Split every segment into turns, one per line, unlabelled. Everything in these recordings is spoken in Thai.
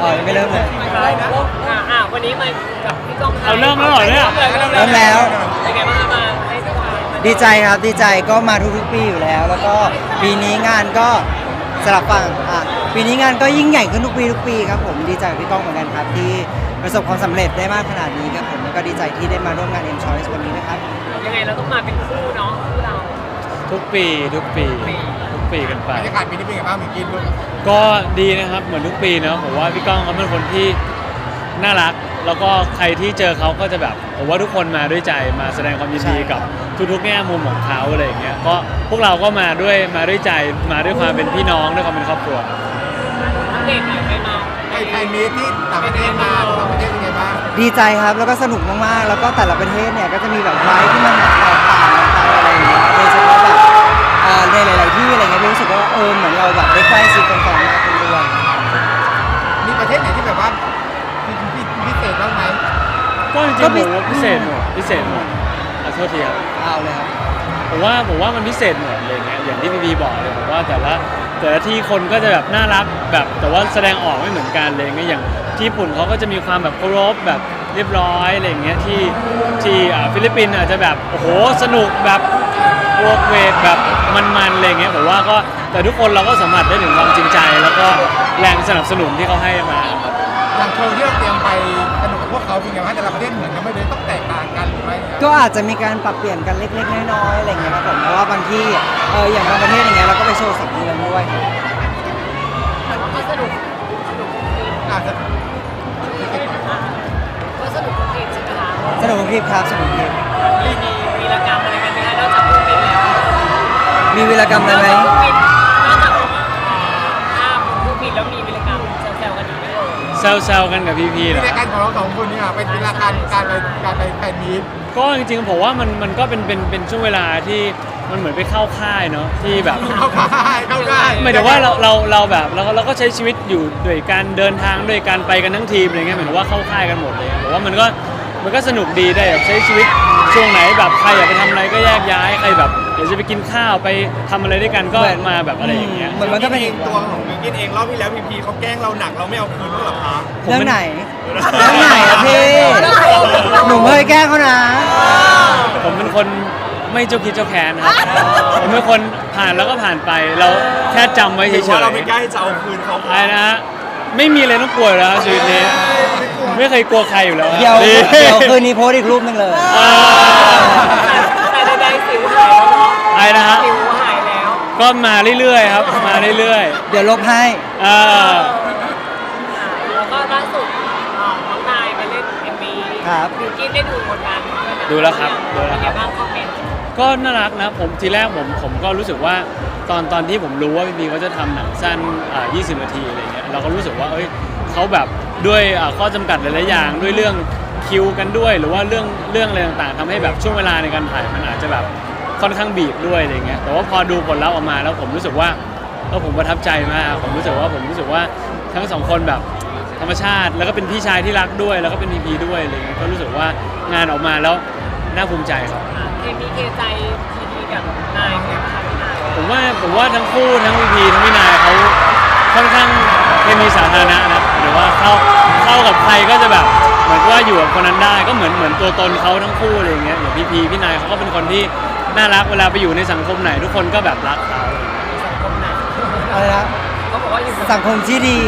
ยังไม่เริ่มเลย
วันนี้มากับพี่ก้อง
เอาเริ่มแล้วเหรอเนี่ย
เริ่มแล้ว
เป็นไงบ้างมาให้สัมภาษณ์
ดีใจครับดีใจก็มาทุกๆปีอยู่แล้ว แล้วก็ปีนี้งานก็สลับฝั่งปีนี้งานก็ยิ่งใหญ่ขึ้นทุกปีครับผมดีใจกับพี่ก้องเหมือนกันครับที่ประสบความสำเร็จได้มากขนาดนี้ครับผมแล้วก็ดีใจที่ได้มาร่วมงาน M Choice วันนี้นะครับ
ยังไงเราต้องมาเป็นคู่เนาะคู่เรา
ทุกปีกันไป
บรรยากาศปีนี้เป็นไงบ้างมีกินลูก
ก็ดีนะครับเหมือนทุกปีเนาะผมว่าพี่ก้องเขาเป็นคนที่น่ารัก แล้วก็ใครที่เจอเขาก็จะแบบผมว่าทุกคนมาด้วยใจมาแสดงความยินดีกับทุกๆแง่มุมของเขาอะไรอย่างเงี้ยก็พวกเราก็มาด้วยใจมาด้วยความเป็นพี่น้องด้วยความเป็นครอบครัว
อัปเดตหน่อยไปมา
ใครมีที่ต่างประเทศมาต่างประเทศเป็นไงบ้าง
ดีใจครับแล้วก็สนุกมากๆแล้วก็แต่ละประเทศเนี่ยก็จะมีแบบไลฟ์ที่มันแบบแตกต่างกันไปอะไรอย่างเงี้ยโดยเฉพาะแบบในหลายๆที่อะไรเงี้ยรู้สึกว่าเหมือนเราแบบได้ใกล้ชิดกันมากขึ้นด้วย
มีประเทศไหนที่แบบว่าพิเศษบ้างไหม
ก็จริงๆผมว่าพิเศษหมดขอโทษทีครับ
เอาเลยครับ
ผมว่ามันพิเศษหมดเลยเนี่ยอย่างที่พี่บีบอกเลยผมว่าแต่ละที่คนก็จะแบบน่ารักแบบแต่ว่าแสดงออกไม่เหมือนกันเลยเนี่ยอย่างที่ญี่ปุ่นเขาก็จะมีความแบบเคารพแบบเรียบร้อยอะไรอย่างเงี้ยที่ฟิลิปปินส์อาจจะแบบโอ้โหสนุกแบบโวกเวกแบบมันๆอะไรเงี้ยผมว่าก็แต่ทุกคนเราก็สัมผัสได้ถึงความจริงใจ แล้วก็แรงสนับสนุนที่เขาให้มา
อย่างโชว์ที่เราเตรียมไปสนุกกับพวกเขาเป็นไงบ้างแต่ละประเทศเหมือนกันไม่เลยต้องแตกต่างกันหรือไม่
ก็อาจจะมีการปรับเปลี่ยนกันเล็กๆน้อยๆอะไรอย่างเงี้ยครับผมเพราะว่าบางที่อย่างบางประเทศอย่างเงี้ยเราก็ไปโชว์2 เดือนด้วย
แต่ว่าก็สนุก
อาจจะ
ก็สนุกทุกทีใช่ไหมคะ
สนุกคลิปครับสนุกคลิป
มีวีรกรรมอะไรกันไหมคะนอกจากคู่บินแล้ว
มีวีรกรรมอะไรไหม
นอกจากภาพคู่บินแล้วมีวีรกรรมแซวๆกันอีกไหมเอ่ย
แซวๆกันกับพี่ๆ
ที่
เหรอ
รายการของเราสองคนเนี่ยเป็นเวลาการไปแฟนมีต
ก็จริงๆผมว่ามันก็เป็นช่วงเวลาที่มันเหมือนไปเข้าค่ายเนาะที่แบบ
เข้าได้
หมายถึงว่าเราแบบเราก็ใช้ชีวิตอยู่ด้วยการเดินทางด้วยการไปกันทั้งทีมอะไรเงี้ยหมายถึงว่าเข้าค่ายกันหมดเลยผมว่ามันก็สนุกดีได้แบบใช้ชีวิตช่วงไหนแบบใครอยากไปทำอะไรก็แยกย้ายใครแบบเดี๋ยวจะไปกินข้าวไปทำอะไรด้วยกันก็มาแบบอะไรอย่างเงี้ย
เหมือนมันก็เป็น
ตัวของมิกกินเองรอบที่แล้วพีเขาแกล้งเราหนักเราไม่เอาคืนหรอคะ
เรื่องไหนอะพี่หนูไม่เคยแกล้งเขานะ
ผมเป็นคนไม่เจ้าคิดเจ้าแค้นครับผมเป็นคนผ่านแล้วก็ผ่านไปเราแค่จำไว้เฉยๆ
เราไม่กล้าจะเอาคืนเขา
อะไรนะฮะไม่มีอะไรต้องกลัวแล้วชีวิตนี้ไม่เคยกลัวใครอยู่แล้ว
เดี๋ยว
ดี
คืนนี้โพสต์อีกรูปหนึงเลย
แต่ใดๆสิวหายแล้วเนาะ
อะไรนะฮะ
สิวหายแล้ว
ก็มาเรื่อยๆครับมาเรื่อย
เดี๋ยวลบให้
ๆ
แล้วก็ล่าสุดน้องนายมาเล่น MV
ครับ
บิวกิ้นได้ดูผลงาน
ดูแล้วครับดูแล้ว
เป็น
ค
ไง
รับ
บ้างคอมเมนต์
ก็น่ารักนะผมทีแรกผมก็รู้สึกว่าตอนที่ผมรู้ว่าพี่บีเขาจะทำหนังสั้น20 นาทีอะไรเงี้ยเราก็รู้สึกว่าเขาแบบด้วยข้อจำกัดหลายๆอย่างด้วยเรื่องคิวกันด้วยหรือว่าเรื่องอะไรต่างๆทำให้แบบช่วงเวลาในการถ่ายมันอาจจะแบบค่อนข้างบีบด้วยอะไรเงี้ยแต่ว่าพอดูผลลัพธ์ออกมาแล้วผมรู้สึกว่าผมประทับใจมากผมรู้สึกว่าทั้งสองคนแบบธรรมชาติแล้วก็เป็นพี่ชายที่รักด้วยแล้วก็เป็นพีพีด้วยอะไรเงี้ยก็รู้สึกว่างานออกมาแล้วน่าภูมิใจครับ
เคมีเคใจทีดีกับนายเนี่ยค่ะพี่นาย
ผมว่าทั้งคู่ทั้งพีพีทั้งพี่นายเขาค่อนข้างเคมีสาธารณะนะหรือว่าเข้ากับใครก็จะแบบเหมือนว่าอยู่กับคนนั้นได้ก็เหมือนตัวตนเขาทั้งคู่อะไรอย่างเงี้ยอย่างพีพีพี่นายเขาก็เป็นคนที่น่ารักเวลาไปอยู่ในสังคมไหนทุกคนก็แบบรักเขา
สังคมไหน
อะไรนะ
เขาบอกว่าอยู่
สังคมที่ดี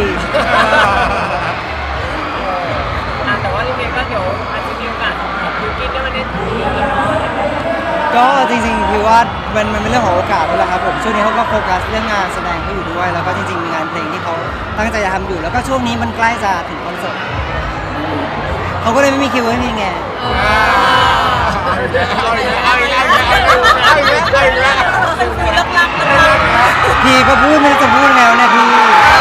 แต่ว่าทีนี้ก็เดี๋ยวอาจจะมีโอกาสกับบิวกิ้นได้มาเล่นคู่กัน
ก็จริงๆคือว่ามันเป็นเรื่องของโอกาสด้วยแหละครับผมช่วงนี้เขาก็โฟกัสเรื่องงานแสดงเขาอยู่ด้วย แล้วก็จริงๆมีงานเพลงที่เขาตั้งใจจะทำอยู่ แล้วก็ช่วงนี้มันใกล้จะถึงคอนเสิร์ตเขาก็เลยไม่มีคิวให้มีไงพี่ก็พูดไม่รู้จะพูดแล้วนะพี่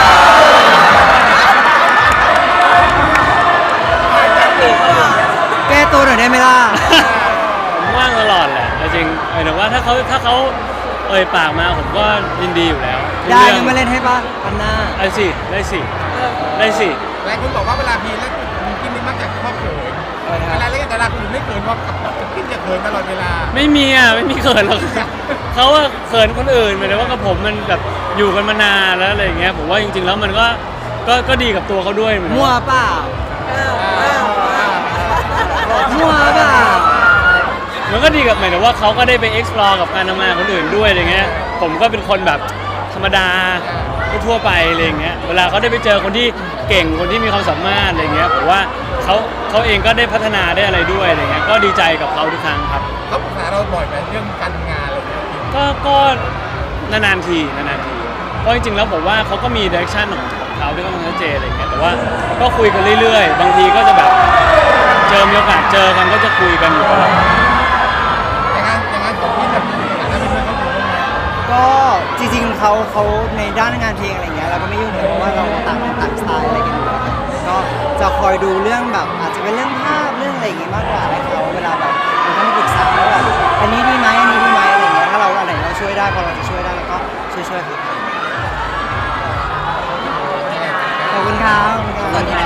แก้ตัวหน่อยได้ไหมล่ะ
ผมว่างตลอดแหละจริงหมายถึงว่าถ้าเขาเอ่ยปากมาผมก็ยินดีอยู่แล้วทุก
ได้
เรื่อง
ยังมาเล่นให้ป่ะอันหน้า
ได้สิ
หลายคนบอกว่าเวลาพีแล้วมิกกินนี่มักจะชอบเขินเวลาเล่นแต่ละคนไม่เขินว่ากินจะเขินตลอดเวลา
ไม่มีเขินหรอกเขาว่าเขินคนอื่นหมายถึงว่ากับผมมันแบบอยู่กันมานานแล้วอะไรอย่างเงี้ยผมว่าจริงๆแล้วมันก็ก็ดีกับตัวเขาด้วยเหมือน
มั่วเปล่ามั่วเปล่า
มันก็ดีกับหมายถึงว่าเขาก็ได้ไป explore กับการทำงานคนอื่นด้วยอะไรเงี้ยผมก็เป็นคนแบบธรรมดาทั่วไปอะไรเงี้ยเวลาเขาได้ไปเจอคนที่เก่งคนที่มีความสามารถอะไรเงี้ยผมว่าเขาเองก็ได้พัฒนาได้อะไรด้วยอะไรเงี้ยก็ดีใจกับเขาทุกครั้งครับ
เขาปรึกษาเราบ่อยไหมเรื่องการทำงานอะไรอย่างเงี้ย
ก็นานๆทีเพราะจริงๆแล้วผมว่าเขาก็มี direction ของเขาที่ค่อนข้างชัดเจนอะไรเงี้ยแต่ว่าก็คุยกันเรื่อยๆบางทีก็จะแบบมีโอกาสเจอกันก็จะคุยกันอยู่ตลอด
อย่างนั้นของพี่แบบฐานะเป็นเพื่อนเขาอยู่บ้างไหม
ก็จริงๆเขาในด้านงานเพลงอะไรเงี้ยเราก็ไม่ยุ่งเลยเพราะว่าเราต่างสไตล์อะไรกันอยู่แล้วก็จะคอยดูเรื่องแบบอาจจะเป็นเรื่องภาพเรื่องอะไรอย่างงี้มากกว่าให้เขาเวลาแบบเราต้องปรึกษาว่าแบบอันนี้ดีไหมอันนี้ดีไหมอะไรเงี้ยถ้าเราอันไหนเราช่วยได้พอเราจะช่วยได้เราก็ช่วยเขาขอบคุณครับ